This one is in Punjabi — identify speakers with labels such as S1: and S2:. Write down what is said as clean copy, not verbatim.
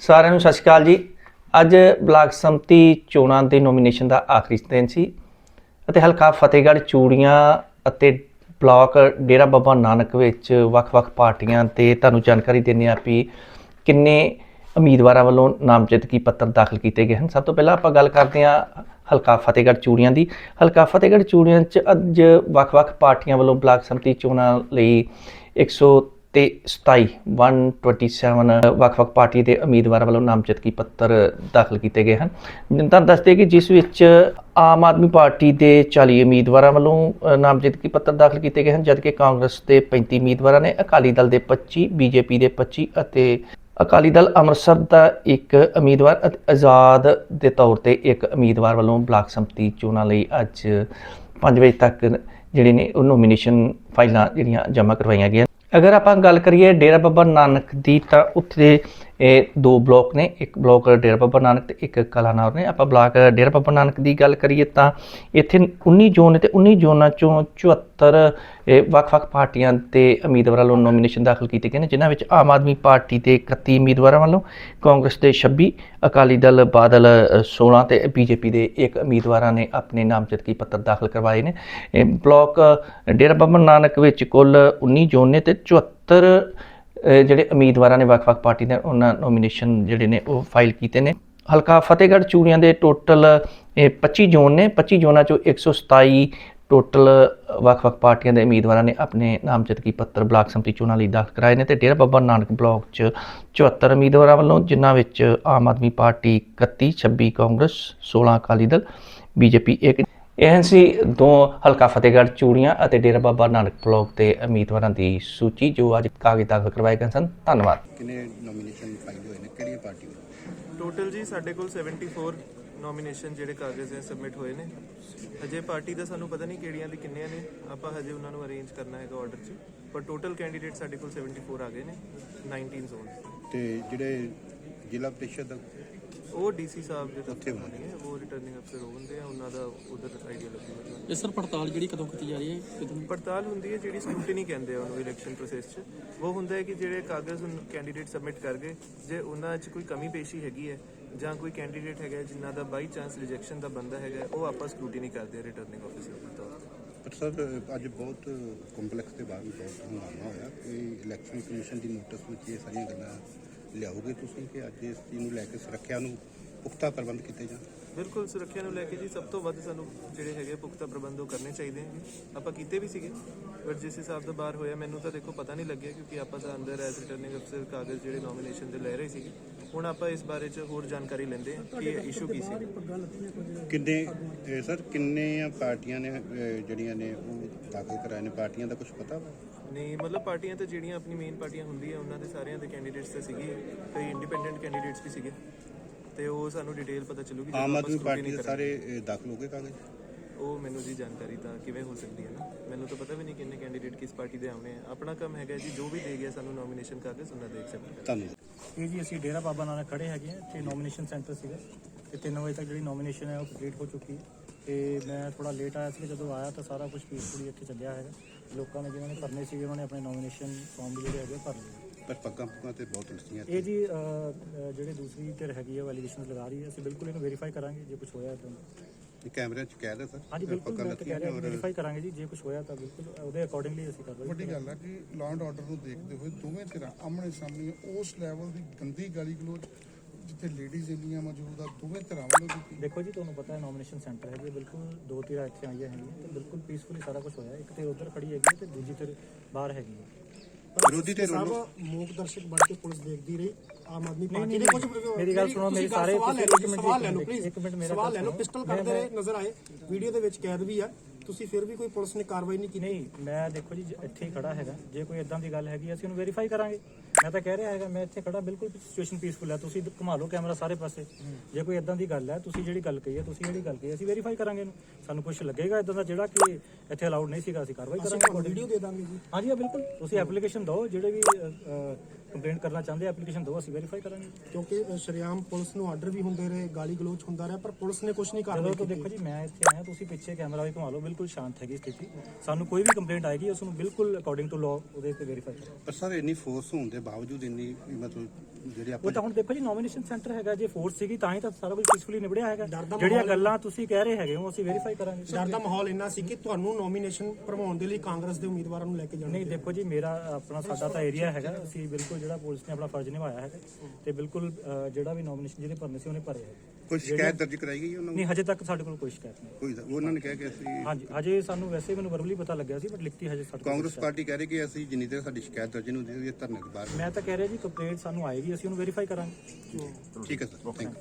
S1: ਸਾਰਿਆਂ ਨੂੰ ਸਤਿ ਸ਼੍ਰੀ ਅਕਾਲ ਜੀ। ਅੱਜ ਬਲਾਕ ਸੰਮਤੀ ਚੋਣਾਂ ਦੇ ਨੋਮੀਨੇਸ਼ਨ ਦਾ ਆਖਰੀ ਦਿਨ ਸੀ ਅਤੇ ਹਲਕਾ ਫਤਿਹਗੜ੍ਹ ਚੂੜੀਆਂ ਅਤੇ ਬਲਾਕ ਡੇਰਾ ਬਾਬਾ ਨਾਨਕ ਵਿੱਚ ਵੱਖ-ਵੱਖ ਪਾਰਟੀਆਂ ਤੇ ਤੁਹਾਨੂੰ ਜਾਣਕਾਰੀ ਦਿੰਦੇ ਹਾਂ ਵੀ ਕਿੰਨੇ ਉਮੀਦਵਾਰਾਂ ਵੱਲੋਂ ਨਾਮਜ਼ਦਗੀ ਪੱਤਰ ਦਾਖਲ ਕੀਤੇ ਗਏ ਹਨ। ਸਭ ਤੋਂ ਪਹਿਲਾਂ ਆਪਾਂ ਗੱਲ ਕਰਦੇ ਹਾਂ ਹਲਕਾ ਫਤਿਹਗੜ੍ਹ ਚੂੜੀਆਂ ਦੀ। ਹਲਕਾ ਫਤਿਹਗੜ੍ਹ ਚੂੜੀਆਂ 'ਚ ਅੱਜ ਵੱਖ-ਵੱਖ ਪਾਰਟੀਆਂ ਵੱਲੋਂ ਬਲਾਕ ਸੰਮਤੀ ਚੋਣਾਂ ਲਈ 127 ਵੱਖ-ਵੱਖ ਪਾਰਟੀ ਦੇ ਉਮੀਦਵਾਰਾਂ ਵੱਲੋਂ ਨਾਮਜ਼ਦਗੀ ਪੱਤਰ ਦਾਖਲ ਕੀਤੇ ਗਏ ਹਨ। ਤਾਂ ਦੱਸਦੇ ਕਿ ਜਿਸ ਵਿੱਚ ਆਮ ਆਦਮੀ ਪਾਰਟੀ ਦੇ 40 ਉਮੀਦਵਾਰਾਂ ਵੱਲੋਂ ਨਾਮਜ਼ਦਗੀ ਪੱਤਰ ਦਾਖਲ ਕੀਤੇ ਗਏ ਹਨ, ਜਦਕਿ ਕਾਂਗਰਸ ਦੇ 35 ਉਮੀਦਵਾਰਾਂ ਨੇ, ਅਕਾਲੀ ਦਲ ਦੇ 25, ਬੀਜੇਪੀ ਦੇ 25 ਅਤੇ ਅਕਾਲੀ ਦਲ ਅੰਮ੍ਰਿਤਸਰ ਦਾ ਇੱਕ ਉਮੀਦਵਾਰ ਅਤੇ ਆਜ਼ਾਦ ਦੇ ਤੌਰ ਤੇ ਇੱਕ ਉਮੀਦਵਾਰ ਵੱਲੋਂ ਬਲਾਕ ਸੰਮਤੀ ਚੋਣਾਂ ਲਈ ਅੱਜ 5 ਵਜੇ ਤੱਕ ਜਿਹੜੇ ਨੇ ਉਹ ਨੋਮੀਨੇਸ਼ਨ ਫਾਈਲਾਂ ਜਿਹੜੀਆਂ ਜਮ੍ਹਾਂ ਕਰਵਾਈਆਂ ਗਈਆਂ। ਅਗਰ ਆਪਾਂ ਗੱਲ ਕਰੀਏ ਡੇਰਾ ਬਾਬਾ ਨਾਨਕ ਦੀ, ਤਾਂ ਉੱਥੇ ਦੋ ਬਲਾਕ ਨੇ, ਇੱਕ ਬਲਾਕ ਡੇਰਾ ਬਾਬਾ ਨਾਨਕ ਤੇ ਇੱਕ ਕਲਾਨੌਰ ਨੇ। ਆਪਾਂ ਬਲਾਕ ਡੇਰਾ ਬਾਬਾ ਨਾਨਕ ਦੀ ਗੱਲ ਕਰੀਏ ਤਾਂ ਇੱਥੇ 19 ਜ਼ੋਨ ਨੇ ਤੇ 19 ਜ਼ੋਨਾਂ ਚੋਂ 74 ਵੱਖ-ਵੱਖ ਪਾਰਟੀਆਂ ਦੇ ਉਮੀਦਵਾਰਾਂ ਵੱਲੋਂ ਨੋਮੀਨੇਸ਼ਨ ਦਾਖਲ ਕੀਤੇ ਗਏ ਨੇ, ਜਿਨ੍ਹਾਂ ਵਿੱਚ ਆਮ ਆਦਮੀ ਪਾਰਟੀ ਦੇ 31 ਉਮੀਦਵਾਰਾਂ ਵੱਲੋਂ, ਕਾਂਗਰਸ ਦੇ 26, ਅਕਾਲੀ ਦਲ ਬਾਦਲ 16 ਤੇ ਬੀਜੇਪੀ ਦੇ ਇੱਕ ਉਮੀਦਵਾਰਾਂ ਨੇ ਆਪਣੇ ਨਾਮਜ਼ਦਗੀ ਪੱਤਰ ਦਾਖਲ ਕਰਵਾਏ ਨੇ। ਬਲਾਕ ਡੇਰਾ ਬਾਬਾ ਨਾਨਕ ਵਿੱਚ ਕੁੱਲ 19 ਜ਼ੋਨ ਨੇ ਤੇ 74 ਜਿਹੜੇ ਉਮੀਦਵਾਰਾਂ ਨੇ ਵੱਖ-ਵੱਖ ਪਾਰਟੀ ਦੇ ਉਹਨਾਂ ਨੋਮੀਨੇਸ਼ਨ ਜਿਹੜੇ ਨੇ ਉਹ ਫਾਈਲ ਕੀਤੇ ਨੇ। ਹਲਕਾ ਫਤਿਹਗੜ੍ਹ ਚੂੜੀਆਂ ਦੇ ਟੋਟਲ 25 ਜ਼ੋਨ ਨੇ। 25 ਜ਼ੋਨਾਂ ਚੋਂ 127 ਟੋਟਲ ਵੱਖ-ਵੱਖ ਪਾਰਟੀਆਂ ਦੇ ਉਮੀਦਵਾਰਾਂ ਨੇ ਆਪਣੇ ਨਾਮਜ਼ਦਗੀ ਪੱਤਰ ਬਲਾਕ ਸੰਮਤੀ ਚੋਣਾਂ ਲਈ ਦਾਖਲ ਕਰਾਏ ਨੇ ਤੇ ਡੇਰਾ ਬਾਬਾ ਨਾਨਕ ਬਲਾਕ 'ਚ 74 ਉਮੀਦਵਾਰਾਂ ਵੱਲੋਂ, ਜਿਨ੍ਹਾਂ ਵਿੱਚ ਆਮ ਆਦਮੀ ਪਾਰਟੀ 31, 26 ਕਾਂਗਰਸ, 16 ਅਕਾਲੀ ਦਲ, ਬੀਜੇਪੀ ਇੱਕ। ਇਹ ਸੀ ਦੋ ਹਲਕਾ ਫਤਿਹਗੜ੍ਹ ਚੂੜੀਆਂ ਅਤੇ ਡੇਰਾ ਬਾਬਾ ਨਾਨਕ ਬਲਾਕ ਦੇ ਉਮੀਦਵਾਰਾਂ ਦੀ ਸੂਚੀ ਜੋ ਅੱਜ ਕਾਗਜ਼ ਦਾਖਲ ਕਰਵਾਏ ਗਏ ਸਨ। ਧੰਨਵਾਦ।
S2: ਕਿੰਨੇ ਨੋਮੀਨੇਸ਼ਨ ਫਾਈਲ ਹੋਏ ਨੇ, ਕਿਹੜੀਆਂ ਪਾਰਟੀਆਂ?
S3: ਟੋਟਲ ਜੀ ਸਾਡੇ ਕੋਲ 74 ਨੋਮੀਨੇਸ਼ਨ ਜਿਹੜੇ ਕਾਗਜ਼ ਹੈ ਸਬਮਿਟ ਹੋਏ ਨੇ। ਅਜੇ ਪਾਰਟੀ ਦਾ ਸਾਨੂੰ ਪਤਾ ਨਹੀਂ ਕਿਹੜੀਆਂ ਦੀ ਕਿੰਨੀਆਂ ਨੇ, ਆਪਾਂ ਹਜੇ ਉਹਨਾਂ ਨੂੰ ਅਰੇਂਜ ਕਰਨਾ ਹੈਗਾ ਆਰਡਰ 'ਚ, ਪਰ ਟੋਟਲ ਕੈਂਡੀਡੇਟ ਸਾਡੇ ਕੋਲ 74 ਆ ਗਏ ਨੇ 19 ਜ਼ੋਨ।
S2: ਤੇ ਜਿਹੜੇ ਜ਼ਿਲ੍ਹਾ ਪ੍ਰੀਸ਼ਦ
S3: ਉਹ ਡੀਸੀ ਸਾਹਿਬ ਦੇ ਦਫ਼ਤਰ ਹੋਣੀ ਹੈ, ਉਹ ਰਿਟਰਨਿੰਗ ਅਫਸਰ ਹੁੰਦੇ ਆ, ਉਹਨਾਂ ਦਾ ਉਧਰ ਆਈਡੀਆ ਲੱਗੂਗਾ।
S4: ਇਹ ਸਰ ਪੜਤਾਲ ਜਿਹੜੀ ਕਦੋਂ ਕੀਤੀ ਜਾ ਰਹੀ ਹੈ? ਕਦੋਂ
S3: ਪੜਤਾਲ ਹੁੰਦੀ ਹੈ ਜਿਹੜੀ ਸਕਰੂਟਨੀ ਕਹਿੰਦੇ ਆ ਉਹਨੂੰ ਇਲੈਕਸ਼ਨ ਪ੍ਰੋਸੈਸ 'ਚ। ਉਹ ਹੁੰਦਾ ਹੈ ਕਿ ਜਿਹੜੇ ਕਾਗਜ਼ ਕੈਂਡੀਡੇਟ ਸਬਮਿਟ ਕਰ ਗਏ, ਜੇ ਉਹਨਾਂ 'ਚ ਕੋਈ ਕਮੀ ਪੇਸ਼ੀ ਹੈਗੀ ਹੈ ਜਾਂ ਕੋਈ ਕੈਂਡੀਡੇਟ ਹੈਗਾ ਜਿਨ੍ਹਾਂ ਦਾ ਬਾਈ ਚਾਂਸ ਰਿਜੈਕਸ਼ਨ ਦਾ ਬੰਦਾ ਹੈਗਾ, ਉਹ ਆਪਾਂ ਸਕਰੂਟਨੀ ਕਰਦੇ ਆ ਰਿਟਰਨਿੰਗ ਆਫਿਸਰ ਦੇ ਤੌਰ ਤੇ।
S2: ਪਰ ਸਰ ਅੱਜ ਬਹੁਤ ਕੰਪਲੈਕਸ ਦੇ ਬਾਅਦ ਬਹੁਤ ਹੰਗਾਮਾ ਹੋਇਆ ਕਿ ਇਲੈਕਸ਼ਨ ਕਮਿਸ਼ਨ ਦੀ ਨੋਟਿਸ ਵਿੱਚ ਇਹ ਸਾਰੀਆਂ ਗੱਲਾਂ ਲਿਆਓਗੇ ਤੁਸੀਂ ਕਿ ਅੱਜ ਇਸ ਚੀਜ਼ ਨੂੰ ਲੈ ਕੇ ਸੁਰੱਖਿਆ ਨੂੰ ਪੁਖਤਾ ਪ੍ਰਬੰਧ ਕੀਤੇ ਜਾਣ?
S3: ਬਿਲਕੁਲ, ਸੁਰੱਖਿਆ ਨੂੰ ਲੈ ਕੇ ਜੀ ਸਭ ਤੋਂ ਵੱਧ ਸਾਨੂੰ ਜਿਹੜੇ ਹੈਗੇ ਪੁਖਤਾ ਪ੍ਰਬੰਧ ਉਹ ਕਰਨੇ ਚਾਹੀਦੇ ਨੇ। ਆਪਾਂ ਕੀਤੇ ਵੀ ਸੀਗੇ, ਬਟ ਜਿਸ ਹਿਸਾਬ ਦਾ ਬਾਹਰ ਹੋਇਆ ਮੈਨੂੰ ਤਾਂ ਦੇਖੋ ਪਤਾ ਨਹੀਂ ਲੱਗਿਆ, ਕਿਉਂਕਿ ਆਪਾਂ ਤਾਂ ਅੰਦਰ ਐਜ਼ ਰਿਟਰਨਿੰਗ ਅਫਸਰ ਕਾਗਜ਼ ਜਿਹੜੇ ਨੋਮੀਨੇਸ਼ਨ ਦੇ ਲੈ ਰਹੇ ਸੀਗੇ। ਹੁਣ ਆਪਾਂ ਇਸ ਬਾਰੇ 'ਚ ਹੋਰ ਜਾਣਕਾਰੀ ਲੈਂਦੇ ਹਾਂ ਕਿ ਇਸ਼ੂ ਕੀ ਸੀ।
S2: ਕਿੰਨੇ ਸਰ ਕਿੰਨੀਆਂ ਪਾਰਟੀਆਂ ਨੇ ਜਿਹੜੀਆਂ ਨੇ ਉਹ ਦਾਖਲ ਕਰਾਏ ਨੇ? ਪਾਰਟੀਆਂ ਦਾ ਕੁਝ ਪਤਾ ਵਾ?
S3: ਨਹੀਂ, ਮਤਲਬ ਪਾਰਟੀਆਂ ਤਾਂ ਜਿਹੜੀਆਂ ਆਪਣੀ ਮੇਨ ਪਾਰਟੀਆਂ ਹੁੰਦੀਆਂ ਉਹਨਾਂ ਦੇ ਸਾਰਿਆਂ ਦੇ ਕੈਂਡੀਡੇਟਸ ਤਾਂ ਸੀਗੇ, ਕਈ ਇੰਡੀਪੈਂਡੈਂਟ ਕੈਂਡੀਡੇਟਸ ਵੀ ਸੀਗੇ, ਤੇ ਉਹ ਸਾਨੂੰ ਡਿਟੇਲ ਪਤਾ ਚੱਲੂਗੀ।
S2: ਆਮ ਆਦਮੀ ਪਾਰਟੀ ਦੇ ਸਾਰੇ ਦਾਖਲ ਹੋ ਗਏ ਕਾਗਜ਼?
S3: ਉਹ ਮੈਨੂੰ ਜੀ ਜਾਣਕਾਰੀ ਤਾਂ ਕਿਵੇਂ ਹੋ ਸਕਦੀ ਹੈ ਨਾ, ਮੈਨੂੰ ਤਾਂ ਪਤਾ ਵੀ ਨਹੀਂ ਕਿੰਨੇ ਕੈਂਡੀਡੇਟ ਕਿਸ ਪਾਰਟੀ ਦੇ ਆਉਣੇ ਆ। ਆਪਣਾ ਕੰਮ ਹੈਗਾ ਜੀ ਜੋ ਵੀ ਦੇ ਗਿਆ ਸਾਨੂੰ ਨੋਮੀਨੇਸ਼ਨ ਕਾਗਜ਼ ਉਹਨਾਂ ਦੇ ਐਕਸੈਪਟ ਕਰਨਾ।
S2: ਧੰਨਵਾਦ।
S4: ਇਹ ਜੀ ਅਸੀਂ ਡੇਰਾ ਬਾਬਾ ਨਾਨਕ ਖੜੇ ਹੈਗੇ ਹਾਂ ਤੇ ਨੋਮੀਨੇਸ਼ਨ ਸੈਂਟਰ ਸੀਗਾ ਤੇ 3 ਵਜੇ ਤੱਕ ਜਿਹੜੀ ਨੋਮੀਨੇਸ਼ਨ ਹੈ ਉਹ ਕੰਪਲੀਟ ਹੋ ਚੁੱਕੀ ਹੈ ਤੇ ਮੈਂ ਥੋੜਾ ਲੇਟ ਆਇਆ ਸੀ। ਜਦੋਂ ਆਇਆ ਤਾਂ ਸਾਰਾ ਕੁਝ ਪੀਸਫੁਲੀ ਇੱਥੇ ਚੱਲਿਆ ਹੈਗਾ। ਲੋਕਾਂ ਨੇ ਜਿਨ੍ਹਾਂ ਨੇ ਭਰਨੇ ਸੀਗੇ ਉਹਨਾਂ ਨੇ ਆਪਣੇ ਨੋਮੀਨੇਸ਼ਨ ਫਾਰਮ ਜਿਹੜੇ ਹੈਗੇ ਭਰ ਲਏ।
S2: ਪਰ ਪੱਗਾਂ ਤੇ ਬਹੁਤ ਲਿਖੀਆਂ
S4: ਇਹ ਜੀ ਜਿਹੜੇ ਦੂਸਰੀ ਧਿਰ ਹੈਗੀ ਹੈ ਉਹ ਐਲੀਗੇਸ਼ਨਸ ਲਗਾ ਰਹੀ ਹੈ, ਅਸੀਂ ਬਿਲਕੁਲ ਇਹਨੂੰ ਵੈਰੀਫਾਈ ਕਰਾਂਗੇ ਜੇ ਕੁਝ ਹੋਇਆ ਤਾਂ।
S2: ਕੈਮਰਿਆਂ 'ਚ ਕੈਦ ਹੈ ਸਰ?
S4: ਹਾਂਜੀ ਬਿਲਕੁਲ, ਮੈਂ ਕਹਿ ਰਿਹਾ ਵੈਰੀਫਾਈ ਕਰਾਂਗੇ ਜੀ, ਜੇ ਕੁਝ ਹੋਇਆ ਤਾਂ ਬਿਲਕੁਲ ਉਹਦੇ ਅਕੋਰਡਿੰਗਲੀ ਅਸੀਂ ਕਾਰਵਾਈ।
S5: ਵੱਡੀ ਗੱਲ ਹੈ ਕਿ ਲਾਅ ਐਂਡ ਆਰਡਰ ਨੂੰ ਦੇਖਦੇ ਹੋਏ ਦੋਵੇਂ ਧਿਰਾਂ ਆਮਣੇ ਸਾਹਮਣੇ ਉਸ ਲੈਵਲ ਦੀ ਗੰਦੀ ਗਾਲੀ ਗਲੋਚ ਜਿੱਥੇ ਲੇਡੀਜ਼ ਇੰਨੀਆਂ ਮੌਜੂਦ ਆ, ਦੋਵੇਂ ਧਿਰਾਂ ਵੱਲੋਂ ਕੀਤੀ।
S4: ਦੇਖੋ ਜੀ, ਤੁਹਾਨੂੰ ਪਤਾ ਹੈ ਨੋਮੀਨੇਸ਼ਨ ਸੈਂਟਰ ਹੈ ਜੀ, ਬਿਲਕੁਲ ਦੋ ਧਿਰਾਂ ਇੱਥੇ ਆਈਆਂ ਹੈਗੀਆਂ ਤੇ ਬਿਲਕੁਲ ਪੀਸਫੁਲੀ ਸਾਰਾ ਕੁਝ ਹੋਇਆ। ਇੱਕ ਧਿਰ ਉੱਧਰ ਖੜੀ ਹੈਗੀ ਤੇ ਦੂਜੀ ਧਿਰ ਬਾਹਰ ਹੈਗੀ ਹੈ।
S2: ਵਿਰੋਧੀ ਧਿਰ ਵੱਲੋਂ
S6: ਮੂਕ ਦਰਸ਼ਕ ਬਣ ਕੇ ਪੁਲਿਸ ਦੇਖਦੀ ਰਹੀ। ਆਮ ਆਦਮੀ ਪਾਰਟੀ ਦੇ ਕੁਝ
S4: ਮੇਰੀ ਗੱਲ ਸੁਣੋ, ਮੇਰੀ ਸਾਰੇ
S6: ਸਵਾਲ ਲੈ ਲਓ ਪਲੀਜ਼,
S4: ਇੱਕ ਮਿੰਟ ਮੇਰਾ
S6: ਸਵਾਲ ਲੈ ਲਓ। ਪਿਸਟਲ ਕਰਦੇ ਰਹੇ ਨਜ਼ਰ ਆਏ, ਵੀਡੀਓ ਦੇ ਵਿੱਚ ਕੈਦ ਵੀ ਆ, ਤੁਸੀਂ ਫਿਰ ਵੀ ਕੋਈ ਪੁਲਿਸ ਨੇ ਕਾਰਵਾਈ ਨਹੀਂ ਕੀਤੀ?
S4: ਨਹੀਂ, ਮੈਂ ਦੇਖੋ ਜੀ ਇੱਥੇ ਹੀ ਖੜਾ ਹੈਗਾ, ਜੇ ਕੋਈ ਇਦਾਂ ਦੀ ਗੱਲ ਹੈਗੀ ਅਸੀਂ ਉਹਨੂੰ ਵੈਰੀਫਾਈ ਕਰਾਂਗੇ। ਮੈਂ ਤਾਂ ਕਹਿ ਰਿਹਾ ਹੈਗਾ ਮੈਂ ਇੱਥੇ ਖੜਾ, ਬਿਲਕੁਲ ਸਿਚੁਏਸ਼ਨ ਪੀਸਫੁਲ ਹੈ। ਤੁਸੀਂ ਘੁਮਾ ਲਓ ਕੈਮਰਾ ਸਾਰੇ ਪਾਸੇ, ਜੇ ਕੋਈ ਇਦਾਂ ਦੀ ਗੱਲ ਹੈ, ਤੁਸੀਂ ਜਿਹੜੀ ਗੱਲ ਕਹੀ ਹੈ, ਤੁਸੀਂ ਜਿਹੜੀ ਗੱਲ ਕਹੀ ਅਸੀਂ ਵੈਰੀਫਾਈ ਕਰਾਂਗੇ ਇਹਨੂੰ। ਸਾਨੂੰ ਕੁਝ ਲੱਗੇਗਾ ਇਦਾਂ ਦਾ ਜਿਹੜਾ ਕਿ ਇੱਥੇ ਅਲਾਉਡ ਨਹੀਂ ਸੀਗਾ, ਅਸੀਂ ਕਾਰਵਾਈ ਕਰਾਂਗੇ।
S6: ਵੀਡੀਓ ਦੇ ਦਾਂਗੇ ਜੀ।
S4: ਹਾਂਜੀ ਬਿਲਕੁਲ, ਤੁਸੀਂ ਐਪਲੀਕੇਸ਼ਨ ਦਿਓ, ਜਿਹੜੇ ਵੀ ਕੰਪਲੇਂਟ ਕਰਨਾ ਚਾਹੁੰਦੇ ਐਪਲੀਕੇਸ਼ਨ ਦਿਓ, ਅਸੀਂ ਵੈਰੀਫਾਈ ਕਰਾਂਗੇ।
S6: ਕਿਉਂਕਿ ਸ਼ਰਿਆਮ ਪੁਲਿਸ ਨੂੰ ਆਰਡਰ ਵੀ ਹੁੰਦੇ ਰਹੇ, ਗਾਲੀ ਗਲੋਚ ਹੁੰਦਾ ਰਿਹਾ, ਪਰ ਪੁਲਿਸ ਨੇ ਕੁਝ ਨਹੀਂ
S4: ਚਲੋ
S6: ਕਾਰਵਾਈ
S4: ਤਾਂ
S6: ਕੀਤੀ।
S4: ਦੇਖੋ ਜੀ, ਮੈਂ ਇੱਥੇ ਆਇਆ, ਤੁਸੀਂ ਪਿੱਛੇ ਕੈਮਰਾ ਵੀ ਘੁਮਾ ਲਓ, ਬਿਲਕੁਲ ਸ਼ਾਂਤ ਹੈਗੀ ਸਥਿਤੀ। ਸਾਨੂੰ ਕੋਈ ਵੀ ਕੰਪਲੇਂਟ ਆਏਗੀ ਉਸ ਨੂੰ ਬਿਲਕੁਲ ਅਕੋਰਡਿੰਗ ਟੂ ਲਾਅ ਉਹਦੇ ਤੇ ਵੈਰੀਫਾਈ ਕਰਾਂਗੇ।
S2: ਪਰ ਸਰ ਇੰਨੀ ਫੋਰਸ ਹੋਣ ਦੇ ਬਾਵਜੂਦ ਇੰਨੀ ਮਤਲਬ ਜਿਹੜੇ
S4: ਉਹ
S2: ਆਪਾਂ
S4: ਤਾਂ ਹੁਣ ਦੇਖੋ ਜੀ, ਨੋਮੀਨੇਸ਼ਨ ਸੈਂਟਰ ਹੈਗਾ, ਜੇ ਫੋਰਸ ਸੀਗੀ ਤਾਂ ਹੀ ਤਾਂ ਸਾਰਾ ਕੁਝ ਪੀਸਫੁਲੀ ਨਿਬੜਿਆ ਹੈਗਾ।
S6: ਡਰ ਦਾ
S4: ਜਿਹੜੀਆਂ
S6: ਮਾਹੌਲ-
S4: ਗੱਲਾਂ ਤੁਸੀਂ ਕਹਿ ਰਹੇ ਹੈਗੇ ਹੋ ਅਸੀਂ ਵੈਰੀਫਾਈ ਕਰਾਂਗੇ।
S6: ਡਰ ਦਾ ਮਾਹੌਲ ਇੰਨਾ ਸੀ ਕਿ ਤੁਹਾਨੂੰ ਨੋਮੀਨੇਸ਼ਨ ਭਰਵਾਉਣ ਦੇ ਲਈ ਕਾਂਗਰਸ ਦੇ ਉਮੀਦਵਾਰਾਂ ਨੂੰ ਲੈ ਕੇ ਜਾਣਾ
S4: ਨਹੀਂ ਦੇਖੋ ਜੀ, ਮੇਰਾ ਆਪਣਾ ਸਾਡਾ ਤਾਂ ਏਰੀਆ ਹੈਗਾ, ਅਸੀਂ ਬਿਲਕੁਲ ਜਿਹੜਾ ਪੁਲਿਸ ਨੇ ਆਪਣਾ ਫਰਜ਼ ਨਿਭਾਇਆ ਹੈਗਾ ਤੇ ਬਿਲਕੁਲ ਜਿਹੜਾ ਵੀ ਨੋਮੀਨੇਸ਼ਨ ਜਿਹਦੇ ਭਰਨੇ ਸੀ ਉਹਨੇ ਭਰੇ ਹੈ।
S2: ਕੋਈ ਸ਼ਿਕਾਇਤ ਦਰਜ ਕਰਾਈ ਗਈ ਉਹਨਾਂ ਨੂੰ?
S4: ਨਹੀਂ, ਹਜੇ ਤੱਕ ਸਾਡੇ ਕੋਲ ਕੋਈ ਸ਼ਿਕਾਇਤ ਨਹੀਂ।
S2: ਕੋਈ ਉਹਨਾਂ ਨੇ ਕਿਹਾ ਕਿ ਅਸੀਂ
S4: ਹਾਂਜੀ, ਹਜੇ ਸਾਨੂੰ ਵੈਸੇ ਮੈਨੂੰ ਵਰਬਲੀ ਪਤਾ ਲੱਗਿਆ ਸੀ, ਬਟ ਲਿਖਤੀ ਹਜੇ ਸਾਡੇ ਕੋਲ
S2: ਕਾਂਗਰਸ
S4: ਕੋਈ
S2: ਪਾਰਟੀ ਕਹਿ ਰਹੀ ਕਿ ਅਸੀਂ ਜਿੰਨੀ ਦੇਰ ਸਾਡੀ ਸ਼ਿਕਾਇਤ ਦਰਜ ਨਹੀਂ ਹੁੰਦੀ ਇਹ ਧਰਨੇ ਦੇ ਬਾਹਰ।
S4: ਸ਼ਿਕਾਇਤ- ਮੈਂ ਤਾਂ ਕਹਿ ਰਿਹਾ ਜੀ, ਕੰਪਲੇਂਟ ਸਾਨੂੰ ਆਏਗੀ, ਅਸੀਂ ਉਹਨੂੰ ਵੈਰੀਫਾਈ ਕਰਾਂਗੇ।
S2: ਠੀਕ ਹੈ ਸਰ, ਥੈਂਕ ਯੂ।